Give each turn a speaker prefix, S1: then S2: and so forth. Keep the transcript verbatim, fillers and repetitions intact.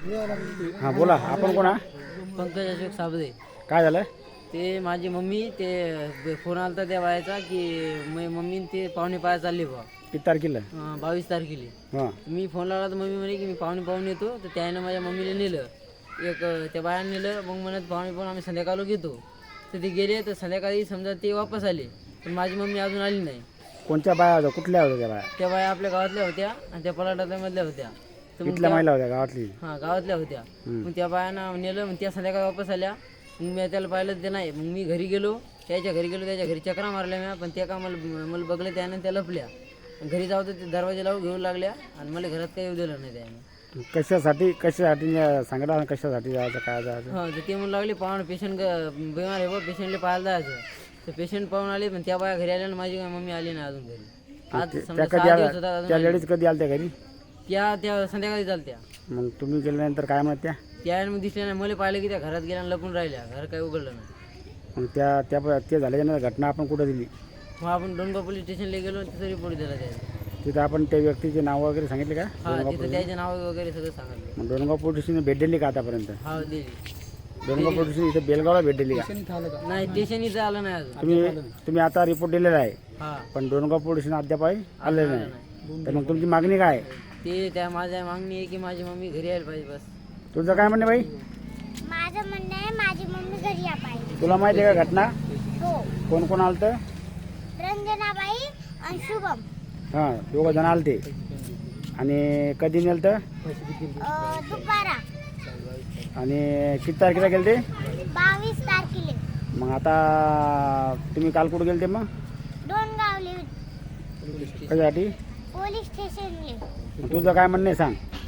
S1: हां बोला, आपण कोण?
S2: पंकज अशोक साबदे.
S1: काय झालं?
S2: ते माझी मम्मी ते फोन आलता त्या बायाचा की मी मम्मी ते पाहुणे पाया चालली बा.
S1: किती तारखेला?
S2: अं, बावीस तारखेला.
S1: हां
S2: मी फोन लावला तर मम्मी म्हणे की मी पाहुणे पाहून येतो. तर त्यानं माझ्या मम्मीला नेलं, एक त्या बायानं नेलं. मग म्हणत पाहुणे पाहून आम्ही संध्याकाळला घेतो. तर ते गेले. तर संध्याकाळी समजा ते वापस आले, पण माझी मम्मी अजून आली नाही.
S1: कोणत्या बाया होत्या? कुठल्या होत्या त्या बाया?
S2: त्या बाया आपल्या गावातल्या होत्या आणि त्या पलाटामधल्या होत्या. तर मग
S1: कुठल्या
S2: त्या-
S1: महिला होत्या गावातली?
S2: हां गावातल्या होत्या. मग त्या बायानं नेलं. मग त्या संध्याकाळी वापस आल्या. मग मी त्याला पाहिलं ते नाही. मग मी घरी गेलो, त्याच्या घरी गेलो. त्याच्या घरी चक्रा मारल्या मी, पण त्या का मला मला बघलं त्यानं, त्या लपल्या. घरी जाऊ तर ते दरवाजे लावून घेऊ लागल्या आणि मला घरात काही येऊ दिलं नाही त्याने.
S1: कशासाठी कशासाठी सांगता ना, कशासाठी जायचं, काय जायचं?
S2: हां तर ते म्हणू लागले पाहून पेशंट बिमार आहे बा, पेशंटला पाहायला जायचं. तर पेशंट पाहून आले, पण त्या बाया घरी आल्या आणि माझी मम्मी आली नाही अजून घरी. आज
S1: त्या
S2: समजा
S1: कधी
S2: सहा दिवस
S1: आल्या?
S2: होता अजून
S1: त्या
S2: आली.
S1: लेडीज कधी आल्या त्या घरी?
S2: त्या त्या संध्याकाळी चालत्या.
S1: मग तुम्ही गेल्यानंतर काय म्हणत त्या?
S2: त्या मग दिसल्या नाही. मला पाहिलं की त्या घरात गेल्या आणि लपून राहिल्या. घर काही उघडलं नाही.
S1: मग त्या त्या ते झाल्याच्यानंतर घटना आपण कुठं दिली?
S2: मग आपण डोंगरगाव पोलीस स्टेशनला गेलो, तिथं रिपोर्ट दिला त्याने.
S1: तिथं आपण त्या व्यक्तीचे नाव वगैरे सांगितले का?
S2: हा तिथं त्याचे नाव वगैरे सगळं सांगितलं.
S1: मग डोनगाव पोलीस स्टेशन भेट दिली का आतापर्यंत?
S2: हा दिली.
S1: डोनगाव पोलीस स्टेशन इथं बेलगावला भेट दिली का?
S2: नाही स्टेशन इथं आलं नाही अजून.
S1: तुम्ही तुम्ही आता रिपोर्ट दिलेला आहे,
S2: हा
S1: पण डोनगाव पोलीस स्टेशन अद्याप आलेलं
S2: आलं
S1: नाही.
S2: नाही.
S1: तर मग तुमची मागणी काय आहे?
S2: ते त्या माझ्या मागणी आहे की माझी मम्मी घरी यायला पाहिजे बस.
S1: तुझं काय म्हणणं बाई?
S3: माझं म्हणणं आहे माझी मम्मी घरी या पाहिजे.
S1: तुला माहिती आहे का घटना?
S3: हो.
S1: कोण कोण आलं तर?
S3: रंजनाबाई आणि शुभम.
S1: हां दोघं जण आले ते. आणि कधी नेलं तर?
S3: अं, दुपारा
S1: आणि किती तारखेला गेले ते?
S3: बावीस तारखेला
S1: मग आता तुम्ही काल कुठं गेले ते? मग
S3: दोन गावले
S1: कशासाठी?
S3: पोलीस स्टेशनले.
S1: मग तुझं काय म्हणणं आहे सांग?